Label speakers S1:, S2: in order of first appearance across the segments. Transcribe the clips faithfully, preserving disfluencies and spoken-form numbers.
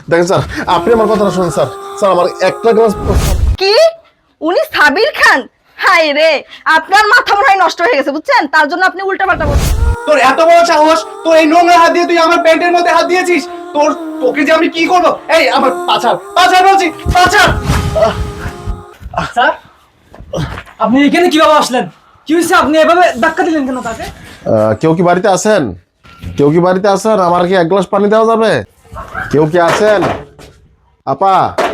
S1: দেখেন স্যার, আপনি আমার কথাটা শুনুন স্যার। স্যার আমার একটা গ্লাস।
S2: কি উনি সাবির খান? হাই রে, আপনার মাথা মনে হয় নষ্ট হয়ে গেছে বুঝছেন, তার জন্য আপনি উল্টাপাল্টা বলছেন।
S3: তোর এত বড় সাহস, তোর এই নোংরা হাত দিয়ে তুই আমার প্যান্টের মধ্যে হাত দিয়েছিস? তোর তোকে যে আমি কি করব? এই আমার পাছার পাছার বলছি, পাছার।
S4: স্যার, আপনি এখানে কিভাবে আসলেন? কি হয়েছে? আপনি এভাবে ধাক্কা দিলেন কেন তাকে?
S1: কেউ কি বাড়িতে আছেন? কেউ কি বাড়িতে আছেন? আমার কি এক গ্লাস পানি দেওয়া যাবে? কেউ কি আছেন? আপা,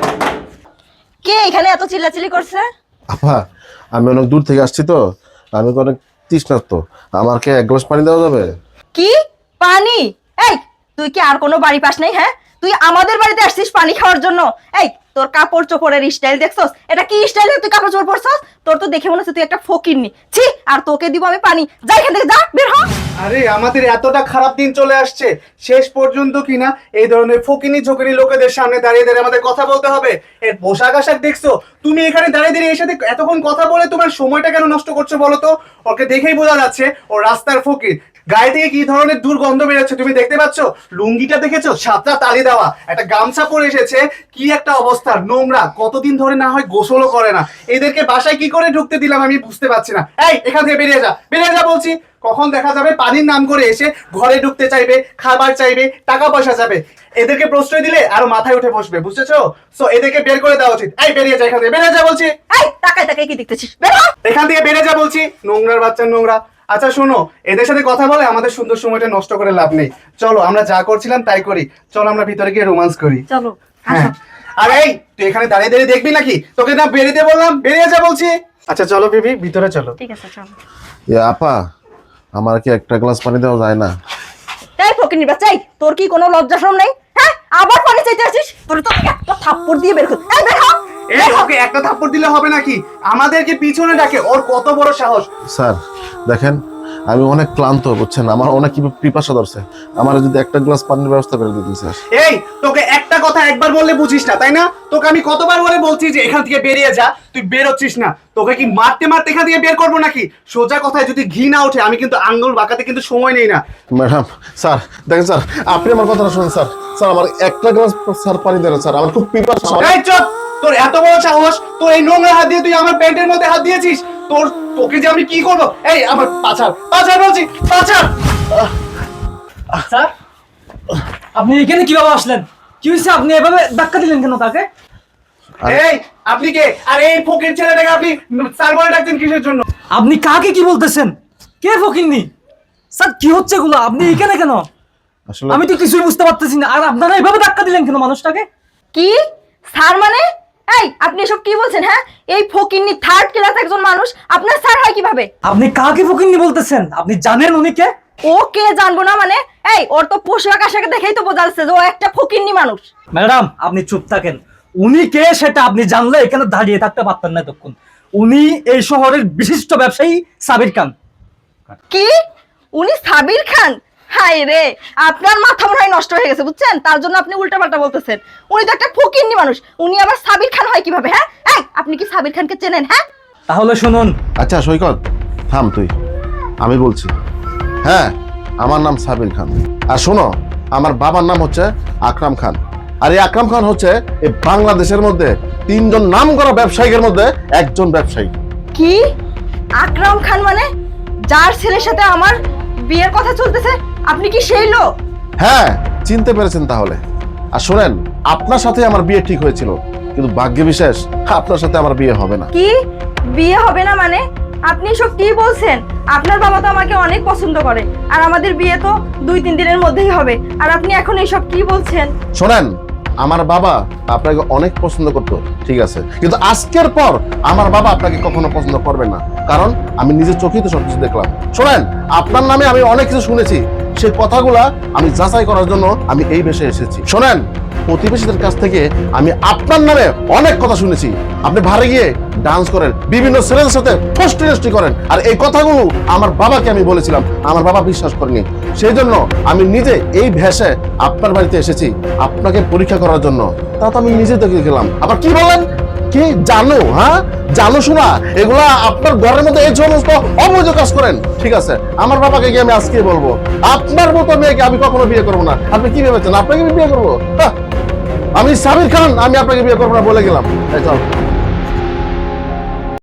S2: কে এখানে এত চিল্লাচিল্লি করছে?
S1: আপা আমি অনেক দূর থেকে আসছি তো, আমি তো অনেক তৃষ্ণার্ত, আমাকে এক গ্লাস পানি দেওয়া যাবে?
S2: কি পানি? এই তুই কি আর কোনো বাড়ি পাস নাই? হ্যাঁ, তুই আমাদের বাড়িতে আসছিস পানি খাওয়ার জন্য? এই তোর কাপড় চোপড়ের স্টাইল দেখছস? এটা কি স্টাইল তুই কাপড় চোপড় পরছস? তোর তো দেখে মনে হচ্ছে তুই একটা ফকিরনি। ছি, আর তোকে দিব আমি পানি? যা এখান থেকে, যা বের হ।
S3: আরে আমাদের এতটা খারাপ দিন চলে আসছে, শেষ পর্যন্ত কিনা এই ধরনের ফকিনি ঝোকিনি লোকেদের সামনে দাঁড়িয়ে দাঁড়িয়ে আমাদের কথা বলতে হবে। এর পোশাক আশাক দেখছো? তুমি এখানে দাঁড়িয়ে দাঁড়িয়ে এর সাথে এতক্ষণ কথা বলে তোমার সময়টা কেন নষ্ট করছো বলো তো? ওকে দেখেই বোঝা যাচ্ছে ও রাস্তার ফকির। গায়ে থেকে কি ধরনের দুর্গন্ধ বেরোচ্ছে তুমি দেখতে পাচ্ছ? লুঙ্গিটা দেখেছো? সাতটা তালি দেওয়া, একটা গামছা পরে এসেছে, কি একটা অবস্থা, নোংরা, কতদিন ধরে না হয় গোসলও করে না। এদেরকে বাসায় কি করে ঢুকতে দিলাম আমি বুঝতে পারছি না। এই এখান থেকে বেরিয়ে যা, বেরিয়ে যা বলছি। কখন দেখা যাবে পানির নাম করে এসে ঘরে ঢুকতে চাইবে, খাবার চাইবে, টাকা পয়সা চাইবে। এদেরকে প্রশ্রয় দিলে আরো মাথায় উঠে বসবে, বুঝেছো? সো এদেরকে বের করে দেওয়া উচিত। এই বেরিয়ে যা এখান থেকে, বেরিয়ে যা বলছি।
S2: এই তাকায় তাকায় কি দেখতেছিস? বের হ।
S3: এখান থেকে বেরিয়ে যা বলছি, নোংরার বাচ্চা নোংরা। আচ্ছা শোনো, এদের সাথে কথা বলে আমাদের সুন্দর সময়টা নষ্ট করে লাভ নেই। চলো আমরা যা করছিলাম তাই করি, চলো আমরা ভিতরে গিয়ে রোমান্স করি।
S2: চলো
S3: হ্যাঁ, আর এই তুই এখানে দাঁড়িয়ে দাঁড়িয়ে দেখবি নাকি? তোকে না বেরিয়ে বললাম, বেরিয়ে যা বলছি। আচ্ছা চলো বেবি, ভিতরে চলো।
S2: ঠিক আছে চলো।
S1: এ আপা, আমার কি একটা গ্লাস পানি দেওয়া যায় না?
S2: এই ফকিরনি বাচ্চা, এই তোর কি কোনো লজ্জা শরম নেই? হ্যাঁ, আবার পানি চাইতে আসিস? তোর তো একটা থাপ্পড় দিয়ে বের কর। এই বের হ।
S3: এই ওকে একটা থাপ্পড় দিলে হবে নাকি? আমাদেরকে পিছনে ডাকে, ওর কত বড় সাহস!
S1: স্যার দেখেন, আমি অনেক ক্লান্ত, বুঝছেন, আমার অনেক পিপাসা ধরছে, আমার যদি একটা গ্লাস পানির ব্যবস্থা করে দিতেন স্যার।
S3: এই তোকে একটা কথা একবার বললে বুঝিস না তাই না? তোকে আমি কতবার বলে বলছি যে এখান থেকে বেরিয়ে যা, তুই বেরোচ্ছিস না। তোকে কি মারতে মারতে এখান থেকে বের করবো নাকি? সোজা কথায় যদি ঘি না ওঠে আমি কিন্তু আঙ্গুল বাঁকাতে কিন্তু সময় নেই না।
S1: ম্যাডাম, স্যার দেখেন স্যার, আপনি আমার কথাটা শুনুন স্যার। স্যার আমার একটা গ্লাস স্যার পানি দেন স্যার, আমার খুব পিপাসা।
S3: এই চুপ! তোর এত বড় সাহস, তোর এই নোংরা হাত দিয়ে তুই আমার প্যান্টের মধ্যে হাত দিয়েছিস? তোর তোকে যে আমি কি করবো? এই আমার পাছার পাছার বলছি, পাছার।
S4: স্যার, আপনি এখানে কিভাবে আসলেন? কি হয়েছে? আপনি এভাবে ধাক্কা দিলেন কেন তাকে?
S3: এই আপনি কে? আর এই ফকির ছেলেটাকে আপনি স্যার বলে ডাকছেন কিসের জন্য?
S4: আপনি কাকে কি বলতেছেন? কে ফকিন্নি? স্যার কি হচ্ছে এগুলো? আপনি এখানে কেন?
S1: আসলে
S4: আমি তো কিছুই বুঝতে পারতেছি না। আর আপনারা এভাবে ধাক্কা দিলেন কেন মানুষটাকে?
S2: কি স্যার মানে? এই আপনি এসব কি বলছেন? হ্যাঁ, এই ফকিন্নি থার্ড ক্লাস একজন মানুষ আপনার স্যার হয় কিভাবে?
S4: আপনি কাকে ফকিন্নি বলতেছেন? আপনি জানেন উনি কে?
S2: ও কে জানবো না মানে? এই ওর তো পোশাক আশাকে দেখেই তো বোঝা যাচ্ছে যে ও একটা ফকিন্নি মানুষ।
S4: ম্যাডাম আপনি চুপ থাকেন। উনি কে সেটা আপনি জানলে এখানে দাঁড়িয়ে থাকতে পারতেন না তখন। উনি এই শহরের বিশিষ্ট ব্যবসায়ী সাবির খান।
S2: কি উনি সাবির খান? হাই রে, আপনার মাথা মনে হয় নষ্ট হয়ে গেছে বুঝছেন, তার জন্য আপনি উল্টাপাল্টা বলতেছেন। উনি তো একটা ফকিন্নি মানুষ, উনি আবার সাবির খান হয় কিভাবে? হ্যাঁ, এই আপনি কি সাবির খানকে চেনেন? হ্যাঁ,
S4: তাহলে শুনুন।
S1: আচ্ছা সৈকত, থাম তুই, আমি বলছি। হ্যাঁ, আমার নাম সাবির খান। আর শোনো, আমার বাবার নাম হচ্ছে আকরাম খান। আর এই আকরাম খান হচ্ছে এই বাংলাদেশের মধ্যে তিনজন নাম করা ব্যবসায়ীদের মধ্যে একজন ব্যবসায়ী।
S2: কি আকরাম খান মানে যার ছেলের সাথে আমার বিয়ের কথা চলতেছে? আপনি কি সেই লোক?
S1: হ্যাঁ, চিনতে পেরেছেন তাহলে। আর শোনেন, আপনার সাথে আমার বিয়ে ঠিক হয়েছিল, কিন্তু ভাগ্য বিশেষ আপনার সাথে আমার বিয়ে হবে না।
S2: কি বিয়ে হবে না মানে? আপনি সব কি বলছেন? আপনার বাবা তো আমাকে অনেক পছন্দ করে, আর আমাদের বিয়ে তো দুই তিন দিনের মধ্যেই হবে, আর আপনি এখন এইসব কি বলছেন?
S1: শোনেন, আমার বাবা আপনাকে অনেক পছন্দ করতো, ঠিক আছে, কিন্তু আজকের পর আমার বাবা আপনাকে কখনো পছন্দ করবে না, কারণ আমি নিজের চোখেই তো সবকিছু দেখলাম। শোনেন, আপনার নামে আমি অনেক কিছু শুনেছি, সেই কথাগুলা আমি যাচাই করার জন্য আমি এই বেশে এসেছি। শোনেন, প্রতিবেশীদের কাছ থেকে আমি আপনার নামে অনেক কথা শুনেছি। আপনি ভারে গিয়ে ডান্স করেন, বিভিন্ন ছেলেদের সাথে ফষ্টি নষ্টি করেন, আর এই কথাগুলো আমার বাবাকে আমি বলেছিলাম, আমার বাবা বিশ্বাস করেনি। সেই জন্য আমি নিজে এই ভেষে আপনার বাড়িতে এসেছি আপনাকে পরীক্ষা করার জন্য। তা তো আমি নিজে দেখে গেলাম। আবার কি বলেন? কি জানো? হ্যাঁ, জানো শোনা, এগুলা আপনার ঘরের মধ্যে এই সমস্ত অবৈধ কাজ করেন, ঠিক আছে? আমার বাবাকে গিয়ে আমি আজকে বলবো, আপনার মতো মেয়েকে আমি কখনো বিয়ে করবো না। আপনি কি ভেবেছেন আপনাকে আমি বিয়ে করবো? আমি সাবির খান, আমি আপনাকে বিয়ে করবো না বলে গেলাম। এই চল।